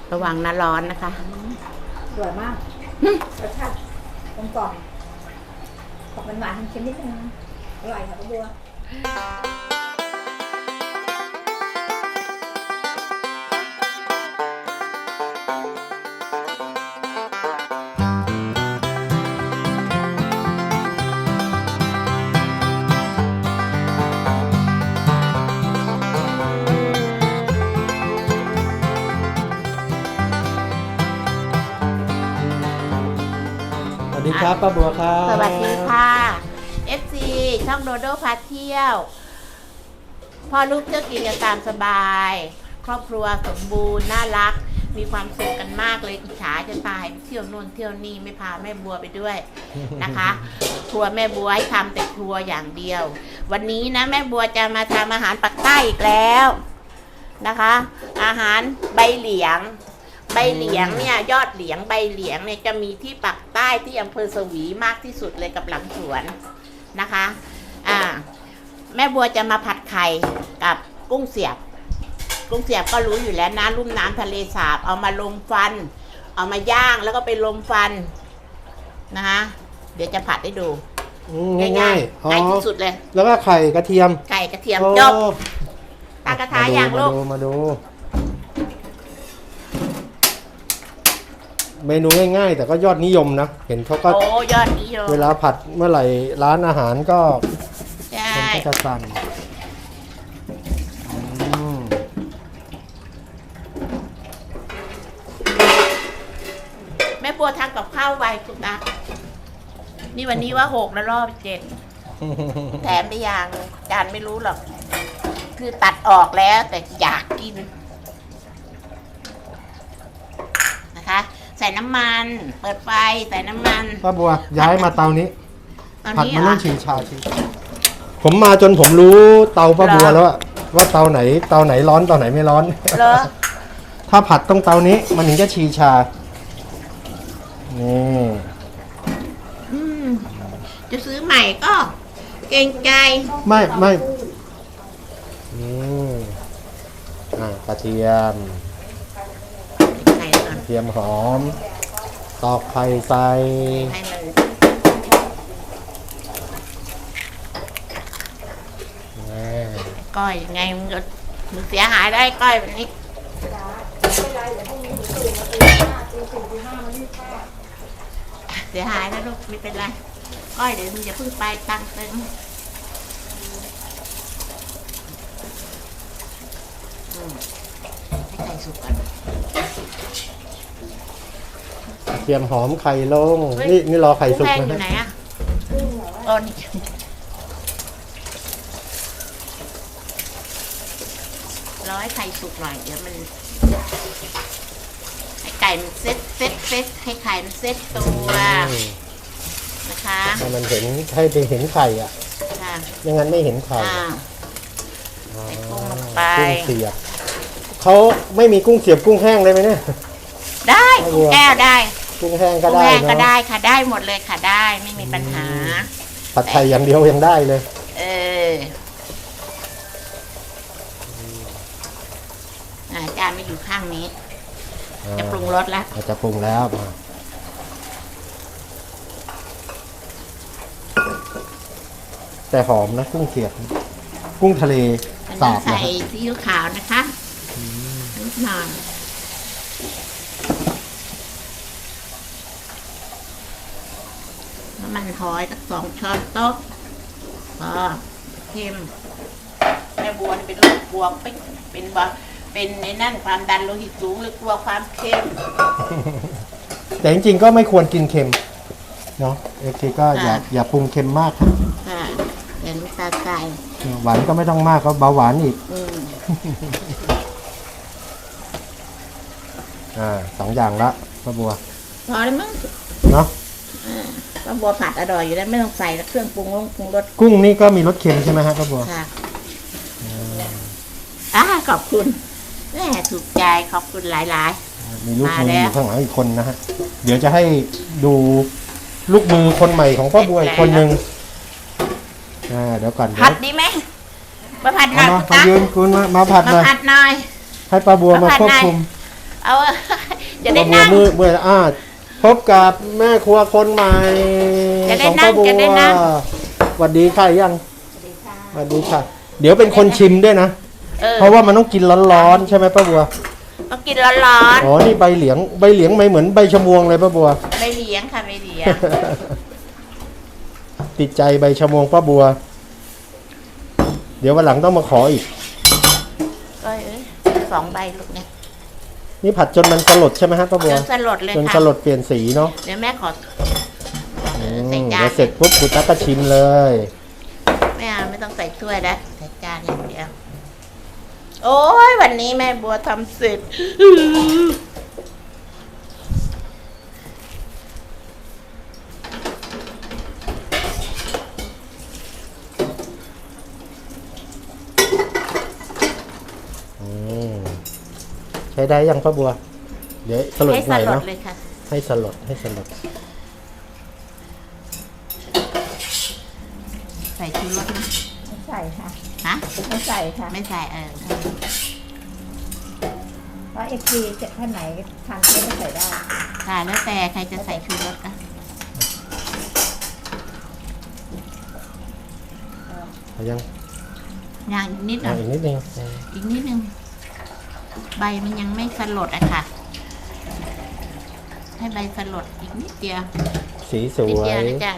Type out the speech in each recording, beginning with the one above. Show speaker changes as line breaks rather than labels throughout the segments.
ระวังนะร้อนนะคะ
สวยมากรสชาติกลมกล่อมออกหวานๆเค็มนิดนึงอร่อยค่ะป้าบัว
สวัสดีครับป้าบัวครับ
สวัสดีค่ะ FC ช่องโดโดพาเที่ยวพ่อลูกเที่ยวกินกันตามสบายครอบครัวสมบูรณ์น่ารักมีความสุขกันมากเลยอิจฉาจะตายเที่ยวนู่นเที่ยวนี่ไม่พาแม่บัวไปด้วยนะคะ ครัวแม่บัวให้ทำแต่ครัวอย่างเดียววันนี้นะแม่บัวจะมาทำอาหารปักใต้อีกแล้วนะคะอาหารใบเหลียงเนี่ยยอดเหลียงใบเหลียงเนี่ยจะมีที่ปักใต้ที่อำเภอสวีมากที่สุดเลยกับหลังสวนนะคะแม่บัวจะมาผัดไข่กับกุ้งเสียบก็รู้อยู่แล้วนะลุ่มน้ำทะเลสาบเอามาลมฟันเอามาย่างแล้วก็ไปลมฟันนะคะเดี๋ยวจะผัดให้ดู
ง่ายๆง่าย
ที่สุดเลย
แล้วก็ไข่กระเทียม
จบตากระทะอย่างลูก
มาดูเมนูง่ายๆแต่ก็ยอดนิยมนะเห็นเขาก็
ยอดนิยม
เวลาผัดเมื่อไหร่ร้านอาหารก็
คน
ก็จะสั่ง
แม่บัวทำกับข้าวไวสุดนะนี่วันนี้ว่า6แล้วรอบ7แถมไปอย่างจานไม่รู้หรอกคือตัดออกแล้วแต่อยากกินนะคะใส่น้ำมันเปิดไฟใส่น้ำมัน
ป้าบัวย้ายมาเตานี้ผัดมันต้องชิงชาชิผมมาจนผมรู้เตาป้าบัวแล้วว่าเตาไหนร้อนเตาไหนไม่ร้อน
เหรอ
ถ้าผัดต้องเตานี้มันถึงจะชีชานี่
จะซื้อใหม่ก็เกรงใจ
ไม่กระเทียมหอมตอกไข่ใส่
ก้อยยังไงมึงเสียหายได้ก้อยแบบนี้เสียหายนะลูกไม่เป็นไรก้อยเดี๋ยวมึงอย่าเพิ่งไปตั้งเต็มให้ไข่สุกก่อน
เตรียมหอมไข่ลงนี่รอไข่สุกนะ
อยู่ไหนอ่ะนี่รอให้ไข่สุกหน่อยเดี๋ยวมันให้ไก่มันเซ็ตให้ไข่มันเซ็ตตัวนะคะ
ให้มันเห็นเห็นไข่อ่ะไม่งั้นไม่เห็นไข่
ใส่กุ้งลงไป
กุ้งเสียบเขาไม่มีกุ้งเสียบกุ้งแห้งเลยไหมเนี่ย
ได้กุ้งแก้วได้
กุ้งแห้งก็ได้
ก็ได้ค่ะได้หมดเลยค่ะได้ไม่มีปัญหา
ผัดไทยอย่างเดียวยังได้เลย
จานไม่อยู่ข้างนี้จะปรุงรสแล้ว
จะปรุงแล้วแต่หอมนะกุ้งเสียบกุ้งทะเลสาบ
ใส่ซีอิ๊วขาวนะคะนิดหน่อยน้ำมันหอยสัก2 ช้อนโต๊ะพอเค็มแม่บัวเป็นโรคกลัวเป็นในนั่นความดันโลหิตสูงหรือกลัวความเค็ม
แต่จริงๆก็ไม่ควรกินเค็มเนาะก็อย่าปรุงเค็มมากครับ
อย่าน้ำตาลใส่
หวานก็ไม่ต้องมากก็เบาหวานอีก2 อย่างละป้าบัว
พอแล้วมั้ง
เนาะ
ป้าบัวผัดอร่อยอยู่แล้วไม่ต้องใส่เครื่องปรุงรส
กุ้งนี่ก็มีรสเค็มใช่ไหมฮะป้าบัว
ค่ะขอบคุณแม่ถูกใจขอบคุณหลาย
ๆมีลูกมืออยู่ข้างหลังอีกคนนะฮะเดี๋ยวจะให้ดูลูกมือคนใหม่ของป้าบัวอีกคนนึงเดี๋ยวก่อน
ผัดดีไหมมาผัดหน่อย
มายืนคุณมาผัดหน่อย
ให้
ป้าบัวมาควบคุม
เอาจะได้
ป้าบัว
นั่ง
เมื่อพบกับแม่ครัวคนใหม่
จะได้
ของ
นั่
ป้าง บัว
จะได้นั่ง
สวัสดีค่ะยัง
สวัสดีค่ะ
สวัสดีค่ะ เดี๋ยวเป็นคนชิมด้วยนะ เพราะว่ามันต้องกินร้อนๆใช่ไหมป้าบัว
ต้องกินร้อน
อ๋อ นี่ใบเหลียงไม่เหมือนใบชะมวงเลยป้าบัว
ๆไม่เลี้ยงค่ะไม่เลี้ยง
ติดใจใบชะมวงป้าบัว เดี๋ยววันหลังต้องมาขออีก
ก็2 ใบลูกเนี่ย
นี่ผัดจนมันสลดใช่ไหมฮะป้าบั
จ
วน
สลดเลย
จน
ค่ะ
สลดเปลี่ยนสีเนาะ
เดี๋ยวแม่ขอ
อืม
ใส่จาน
เดี๋ยวเสร็จปุ๊บคุณตั๊กก็ชิมเลย
ไม่เอาไม่ต้องใส่ถ้วยแล้วใส่จานอย่างเดียวโอ้ยวันนี้แม่บัวทำเสร็จ
อืมใช้ได้ยังป้าบัว เดี๋ยวสลด
ให้
ห
ส
น่อย
ลด
เนาะ
เลยค่ะ
ให้สลดให้สลด
ใส่ชูรสไหม
ไม่ใส่ค่ะ
ฮะ
ไม่ใส่ค่ะ
ไม่ใส่
เพราะเอฟซีท่านไหนทานเยอะไม่ใส่ได้
ค่ะแล้วแต่ใครจะใส่ชูรสก็
เอายัง
อย่างอีกนิดหน่อย
อีกนิดนึง
อีกนิดนึงใบมันยังไม่สลดอะค่ะ ให้ใบสลดอีกนิดเดียว
สีส
นิด
ว
เดียวย นะจ๊ะ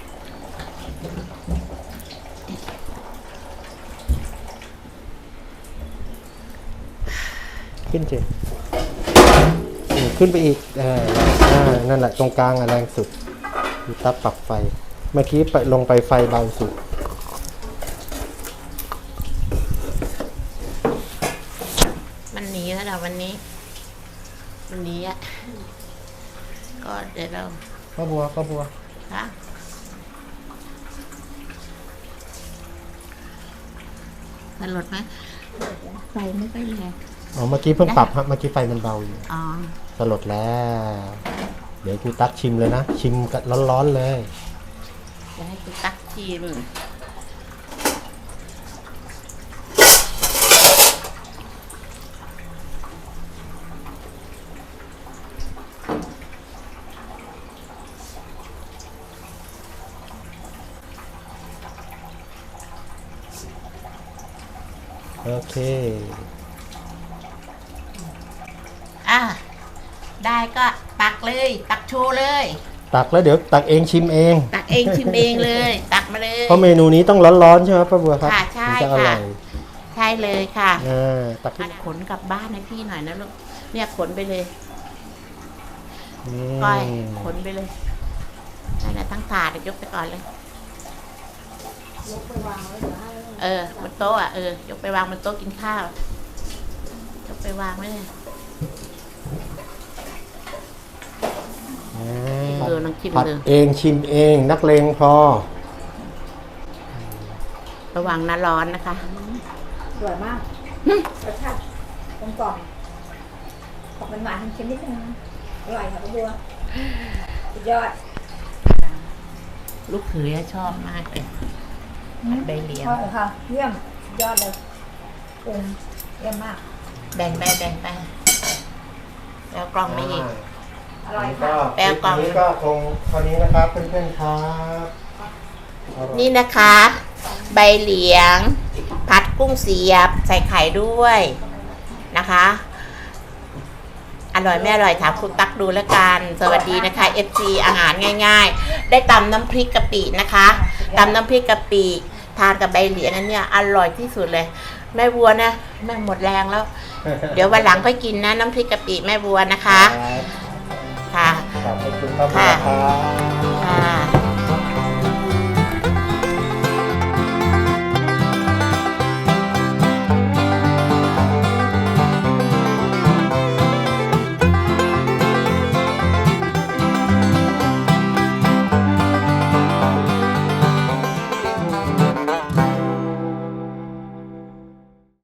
ขึ้นเจขึ้นไปอีกนั่นแหละตรงกลางแรงสุดดูตับปรับไฟ เมื่อกี้ไปลงไปไฟเบาสุด
มันหนีแล้วเราวันนี้ มันหนีอะก็เดี๋ยวเรา
ป้าบัว
ค่ะสลดไหมไฟไม่ค่อยแรง
อ๋อเมื่อกี้เพิ่งปรับฮะเมื่อกี้ไฟมันเบาอยู่
อ๋อ
สลดแล้ว เดี๋ยวกูตักชิมเลยนะ ชิมกันร้อนๆเลย
จะให้คุณตักชิม
โอเค
ได้ก็ตักเลย ตักโชว์เลย
ตักแล้วเดี๋ยวตักเองชิมเอง
ตักเองชิมเองเลย ตักมาเลย
เพราะเมนูนี้ต้องร้อนๆใช่ไหมป้าบัวครับ
ค่ะใช่
ถึงจะอร่อย
ใช่เลยค่ะ
ตักขึ้น
ขนกลับบ้านให้พี่หน่อยนะลูกเนี่ยขนไปเลย
อื
ก้อย
ม
ขนไปเลยนั่นแหละทั้งถาดยกไปก่อนเลย
ยกไปวางไว้เดี๋ยวให้
บนโต๊ะยกไปวางบนโต๊ะกินข้าวยกไปวางไว้เลย ลองชิม
ผัด
ดู
เองชิมเองนักเลงพอ
ระวังน้ำร้อนนะคะ
สวยมากรสชาติกลมกล่อมออกหวานๆเค็มๆนิดนึงอร่อยค่ะป้าบัวสุดยอด
ลูกเขยชอบมากเลยใบเหลียง
ชอบค่ะเยี่ยมสุดยอดเลยเยี่ยมมาก
แบ่งไปแล้วกล่องไม่อีก
อร่อย
ก็
ค่ะ
แปลกล่อง
นี้ก็คงเท่านี้นะครับเพื่อนๆครับ
นี่นะคะ ใบเหลียง ผัดกุ้งเสียบ ใส่ไข่ด้วยนะคะ อร่อยไม่อร่อยถามคุณตักดูแล้วกัน สวัสดีนะคะ FC อาหารง่ายๆ ได้ตำน้ำพริกกะปินะคะตำน้ำพริกกะปิทานกับใบเหลียงอันเนี้ยอร่อยที่สุดเลย แม่บัวนะแม่หมดแรงแล้ว เดี๋ยววันหลังก็กินนะน้ำพริกกะปิแม่บัวนะคะ ค่ะ
ขอบคุณป้าบัวครับ
ค่ะ